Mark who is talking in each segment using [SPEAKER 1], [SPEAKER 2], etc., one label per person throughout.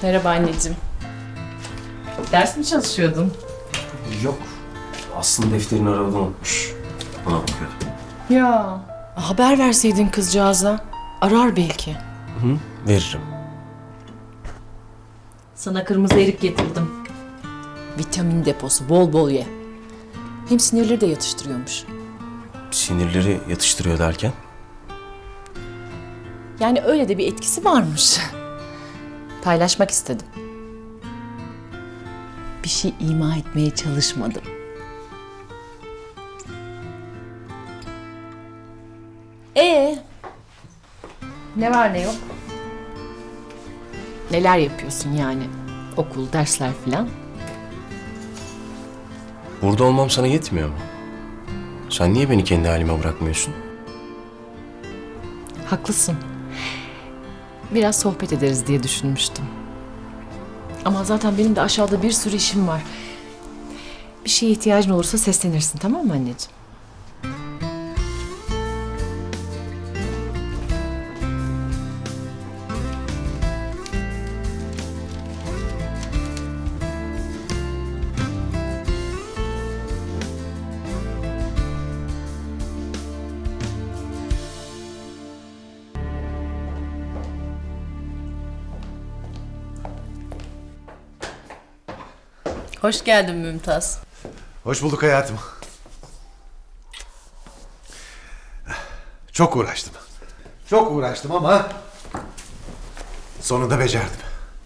[SPEAKER 1] Merhaba anneciğim. Ders mi çalışıyordun?
[SPEAKER 2] Yok. Aslında defterini arabada unutmuş. Ona bakıyordum.
[SPEAKER 1] Ya. Haber verseydin kızcağıza. Arar belki.
[SPEAKER 2] Hı, veririm.
[SPEAKER 1] Sana kırmızı erik getirdim. Vitamin deposu, bol bol ye. Hem sinirleri de yatıştırıyormuş.
[SPEAKER 2] Sinirleri yatıştırıyor derken?
[SPEAKER 1] Yani öyle de bir etkisi varmış. Paylaşmak istedim. Bir şey ima etmeye çalışmadım. Ne var ne yok? Neler yapıyorsun yani? Okul, dersler filan.
[SPEAKER 2] Burada olmam sana yetmiyor mu? Sen niye beni kendi halime bırakmıyorsun?
[SPEAKER 1] Haklısın. Biraz sohbet ederiz diye düşünmüştüm. Ama zaten benim de aşağıda bir sürü işim var. Bir şeye ihtiyacın olursa seslenirsin, tamam mı anneciğim? Hoş geldin Mümtaz.
[SPEAKER 3] Hoş bulduk hayatım. Çok uğraştım. Çok uğraştım ama sonunda becerdim.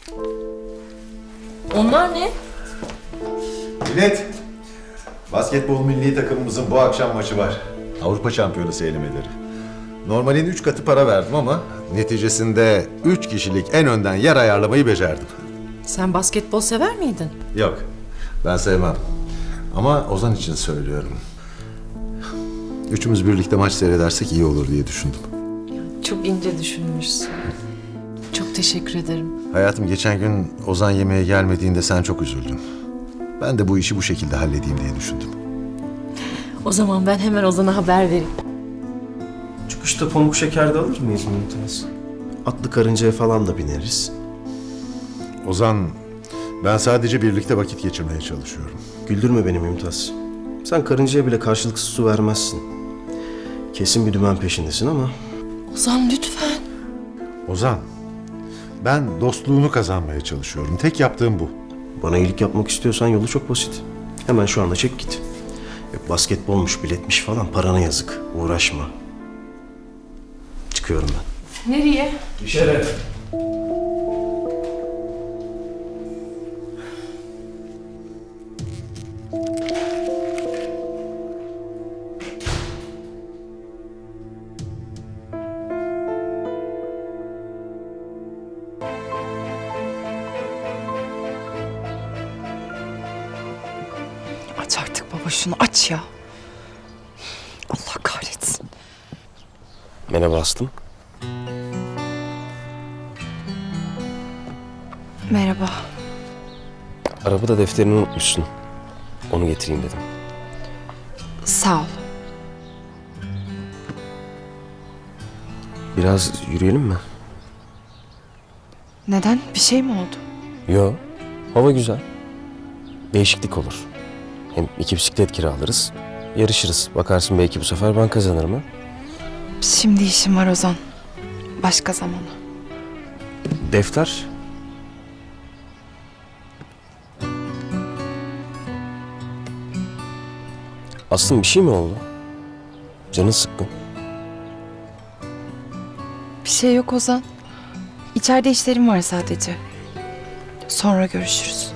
[SPEAKER 1] Onlar ne?
[SPEAKER 3] Millet, basketbol milli takımımızın bu akşam maçı var. Avrupa Şampiyonası elemeleri. Normalin 3 katı para verdim ama neticesinde 3 kişilik en önden yer ayarlamayı becerdim.
[SPEAKER 1] Sen basketbol sever miydin?
[SPEAKER 3] Yok, ben sevmem. Ama Ozan için söylüyorum. Üçümüz birlikte maç seyredersek iyi olur diye düşündüm.
[SPEAKER 1] Çok ince düşünmüşsün. Çok teşekkür ederim.
[SPEAKER 3] Hayatım, geçen gün Ozan yemeğe gelmediğinde sen çok üzüldün. Ben de bu işi bu şekilde halledeyim diye düşündüm.
[SPEAKER 1] O zaman ben hemen Ozan'a haber vereyim.
[SPEAKER 2] Çıkışta pamuk şeker de alır mıyız Mümtaz?
[SPEAKER 4] Atlı karıncaya falan da bineriz.
[SPEAKER 3] Ozan, ben sadece birlikte vakit geçirmeye çalışıyorum.
[SPEAKER 4] Güldürme beni Mümtaz. Sen karıncaya bile karşılıksız su vermezsin. Kesin bir dümen peşindesin ama...
[SPEAKER 1] Ozan lütfen.
[SPEAKER 3] Ozan, ben dostluğunu kazanmaya çalışıyorum. Tek yaptığım bu.
[SPEAKER 4] Bana iyilik yapmak istiyorsan yolu çok basit. Hemen şu anda çek git. Yok basketbolmuş, biletmiş falan, parana yazık. Uğraşma. Çıkıyorum ben.
[SPEAKER 1] Nereye?
[SPEAKER 4] Dışarı.
[SPEAKER 5] Aç artık baba, şunu aç ya. Allah kahretsin.
[SPEAKER 2] Merhaba Aslım.
[SPEAKER 5] Merhaba.
[SPEAKER 2] Arabada defterini unutmuşsun. Onu getireyim dedim.
[SPEAKER 5] Sağ ol.
[SPEAKER 2] Biraz yürüyelim mi?
[SPEAKER 5] Neden? Bir şey mi oldu?
[SPEAKER 2] Yo. Hava güzel. Değişiklik olur. Hem 2 bisiklet kiralarız. Yarışırız. Bakarsın belki bu sefer ben kazanırım ha.
[SPEAKER 5] Şimdi işim var Ozan. Başka zamana.
[SPEAKER 2] Defter. Aslım bir şey mi oldu? Canın sıkkın.
[SPEAKER 5] Bir şey yok Ozan. İçeride işlerim var sadece. Sonra görüşürüz.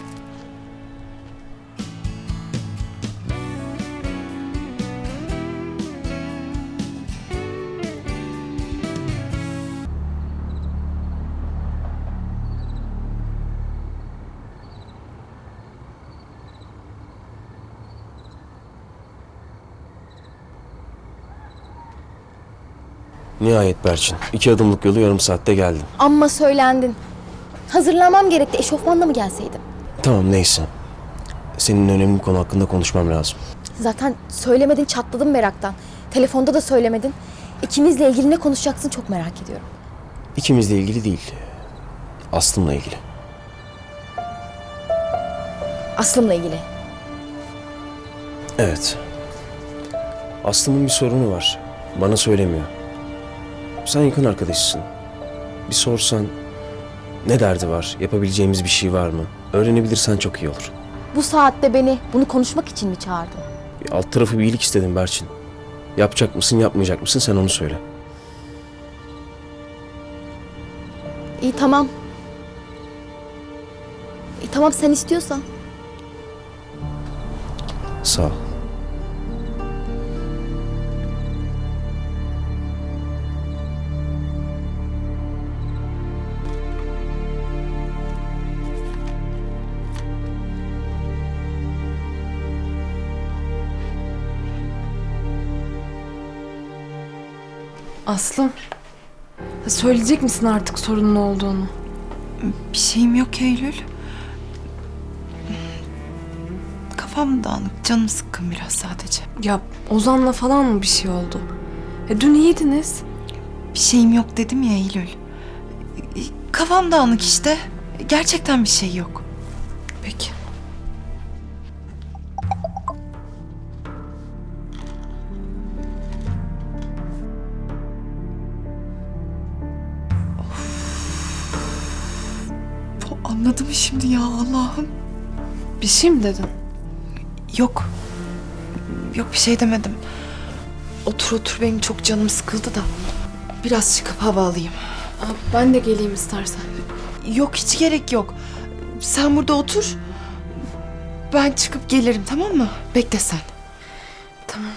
[SPEAKER 2] Nihayet Berçin. 2 adımlık yolu yarım saatte geldim.
[SPEAKER 6] Amma söylendin. Hazırlanmam gerekti. Eşofmanla mı gelseydim?
[SPEAKER 2] Tamam neyse. Senin önemli bir konu hakkında konuşmam lazım.
[SPEAKER 6] Zaten söylemedin, çatladım meraktan. Telefonda da söylemedin. İkimizle ilgili ne konuşacaksın çok merak ediyorum.
[SPEAKER 2] İkimizle ilgili değil. Aslım'la ilgili.
[SPEAKER 6] Aslım'la ilgili.
[SPEAKER 2] Evet. Aslım'ın bir sorunu var. Bana söylemiyor. Sen yakın arkadaşısın. Bir sorsan ne derdi var? Yapabileceğimiz bir şey var mı? Öğrenebilirsen çok iyi olur.
[SPEAKER 6] Bu saatte beni bunu konuşmak için mi çağırdın?
[SPEAKER 2] Alt tarafı bir iyilik istedim Berçin. Yapacak mısın, yapmayacak mısın sen onu söyle.
[SPEAKER 6] İyi tamam. İyi tamam sen istiyorsan.
[SPEAKER 2] Sağ ol.
[SPEAKER 7] Aslım, söyleyecek misin artık sorunun olduğunu?
[SPEAKER 5] Bir şeyim yok Eylül. Kafam dağınık, canım sıkkın biraz sadece.
[SPEAKER 7] Ya Ozan'la falan mı bir şey oldu? Dün iyiydiniz.
[SPEAKER 5] Bir şeyim yok dedim ya Eylül. Kafam dağınık işte. Gerçekten bir şey yok.
[SPEAKER 7] Peki.
[SPEAKER 5] Anladım şimdi ya Allah'ım.
[SPEAKER 7] Bir şey mi dedin?
[SPEAKER 5] Yok. Yok bir şey demedim. Otur otur benim çok canım sıkıldı da. Biraz çıkıp hava alayım.
[SPEAKER 7] Ben de geleyim istersen.
[SPEAKER 5] Yok hiç gerek yok. Sen burada otur. Ben çıkıp gelirim tamam mı? Bekle sen.
[SPEAKER 7] Tamam.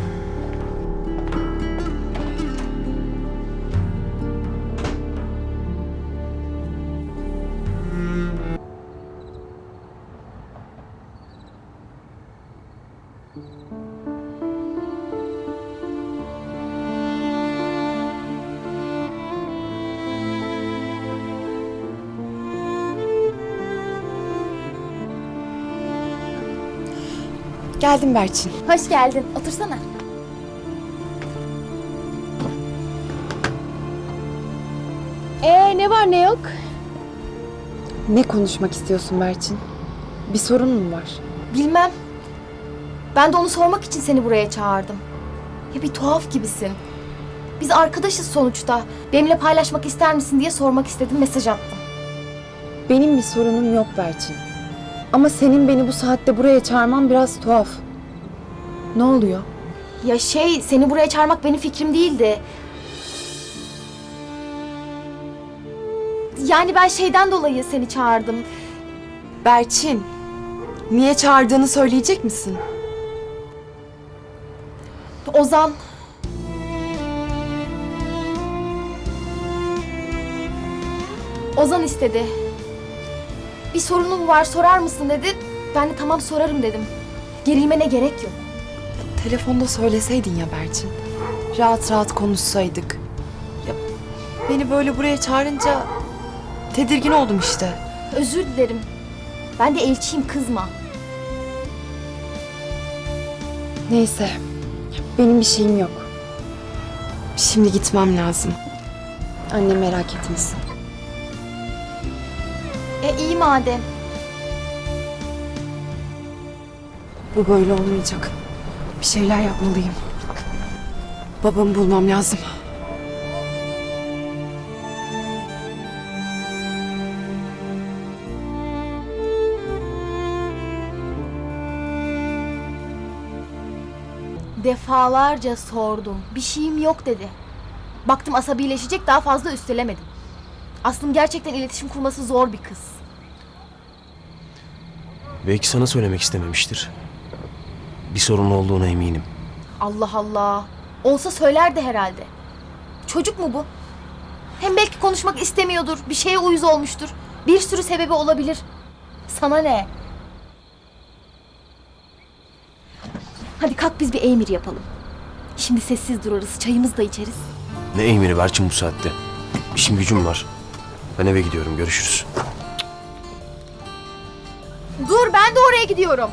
[SPEAKER 5] Geldim Berçin.
[SPEAKER 6] Hoş geldin. Otursana. Ne var ne yok?
[SPEAKER 5] Ne konuşmak istiyorsun Berçin? Bir sorun mu var?
[SPEAKER 6] Bilmem. Ben de onu sormak için seni buraya çağırdım. Ya bir tuhaf gibisin. Biz arkadaşız sonuçta. Benimle paylaşmak ister misin diye sormak istedim, mesaj attım.
[SPEAKER 8] Benim bir sorunum yok Berçin. Ama senin beni bu saatte buraya çağırman biraz tuhaf. Ne oluyor?
[SPEAKER 6] Ya seni buraya çağırmak benim fikrim değildi. Yani ben şeyden dolayı seni çağırdım.
[SPEAKER 5] Berçin, niye çağırdığını söyleyecek misin?
[SPEAKER 6] Ozan. Ozan istedi. Bir sorunum var, sorar mısın dedi. Ben de tamam sorarım dedim. Gerilmene gerek yok.
[SPEAKER 5] Telefonda söyleseydin ya Berçin. Rahat rahat konuşsaydık. Ya beni böyle buraya çağırınca tedirgin oldum işte.
[SPEAKER 6] Özür dilerim. Ben de elçiyim, kızma.
[SPEAKER 8] Neyse. Benim bir şeyim yok.
[SPEAKER 5] Şimdi gitmem lazım.
[SPEAKER 8] Anne merak etmesin.
[SPEAKER 6] İyi madem.
[SPEAKER 5] Bu böyle olmayacak. Bir şeyler yapmalıyım. Babamı bulmam lazım.
[SPEAKER 6] Defalarca sordum. Bir şeyim yok dedi. Baktım asabileşecek, daha fazla üstelemedim. Aslım gerçekten iletişim kurması zor bir kız.
[SPEAKER 2] Belki sana söylemek istememiştir. Bir sorun olduğuna eminim.
[SPEAKER 6] Allah Allah. Olsa söylerdi herhalde. Çocuk mu bu? Hem belki konuşmak istemiyordur. Bir şeye uyuz olmuştur. Bir sürü sebebi olabilir. Sana ne? Hadi kalk biz bir emir yapalım. Şimdi sessiz durarız. Çayımızı da içeriz.
[SPEAKER 2] Ne emiri Berçin bu saatte? İşim gücüm var. Ben eve gidiyorum. Görüşürüz.
[SPEAKER 6] Dur, ben de oraya gidiyorum.